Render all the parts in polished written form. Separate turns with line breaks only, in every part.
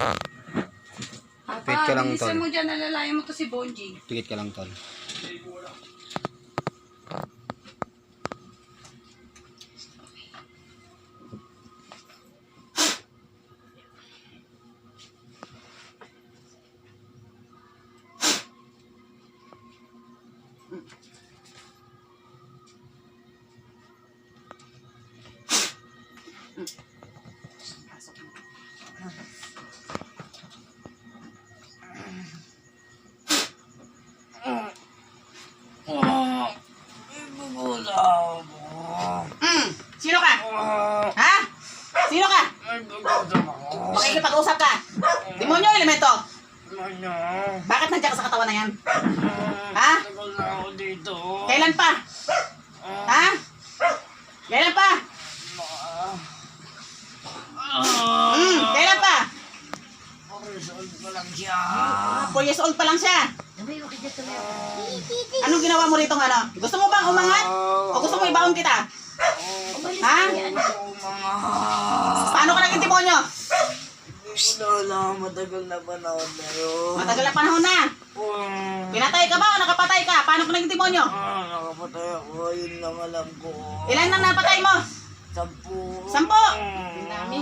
Pikit ka lang, tol.
Bilisan mo dyan, nalalayan mo to si Bonji.
Pikit ka lang, tol.
Sino ka? Ha? Sino ka? Makikipag-usap ka? Demonyo elemento? Bakit nandiyan ka sa katawan na yan? Ha? Kailan pa? Ha? Kailan pa? Kailan pa? 4 years old pa lang siya. Anong ginawa mo rito ano? Gusto mo bang umangat? O gusto mo ibaon kita? Ha? Paano ka naging demonyo?
Wala, matagal na panahon na yun.
Matagal na panahon na. Pinatay ka ba o nakapatay ka? Paano ka naging demonyo?
Nakapatay ako, yun lang alam ko.
Ilan nang napatay mo?
10.
10. Dami.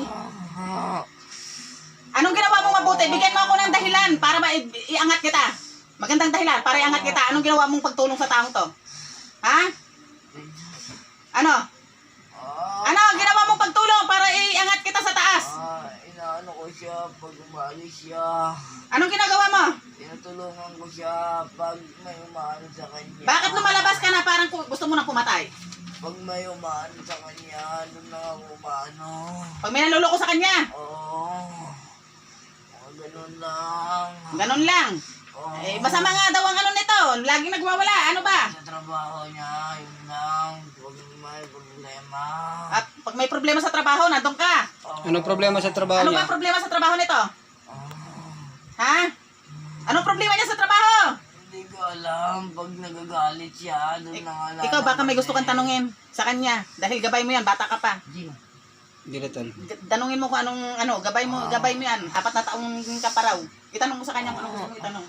Anong ginawa mo mabuti? Bigyan mo ako ng dahilan para iangat kita. Magandang dahilan para iangat kita. Anong ginawa mong pagtulong sa taong to? Ha? Ano? Ano ginawa mong pagtulong para iangat kita sa taas?
Inaano ko siya pag umalis siya.
Anong ginagawa mo?
Tinutulungan ko siya pag may umaano sa kanya.
Bakit lumalabas ka na parang gusto mo nang pumatay?
Pag may umaano sa kanya, doon na ako umaano.
Pag may naluloko sa kanya?
Oo. Ganun lang.
Ganun lang.
Oo.
Eh, masama nga daw ang ano nito. Laging nagwawala. Ano ba?
Sa trabaho niya, yun lang. Pag may problema.
At pag may problema sa trabaho, nandun ka.
Oo.
Anong problema sa trabaho
Ano
niya?
ba problema sa trabaho nito?
Oo.
Ha? Anong problema niya sa trabaho?
Hindi ko alam. Pag nagagalit siya, doon na nga lang.
Ikaw baka may gusto kang tanungin sa kanya. Dahil gabay mo yan, bata ka pa.
Hindi na, tol.
Tanungin mo kung anong, gabay mo yan. 4 na taong ka pa raw. Itanong mo sa kanya kung anong gusto mo itanong.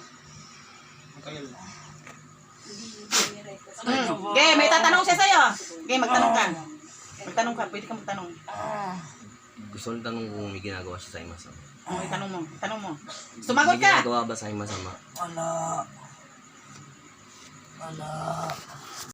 Okay, may tatanong siya sa'yo. Okay, magtanong ka. Magtanong ka, pwede ka magtanong.
Gusto nang tanong kung may ginagawa siya sa aking masama.
Okay, tanong mo. Tanong mo. Sumagot
May
ka.
ginagawa ba sa aking masama?
Wala. Wala.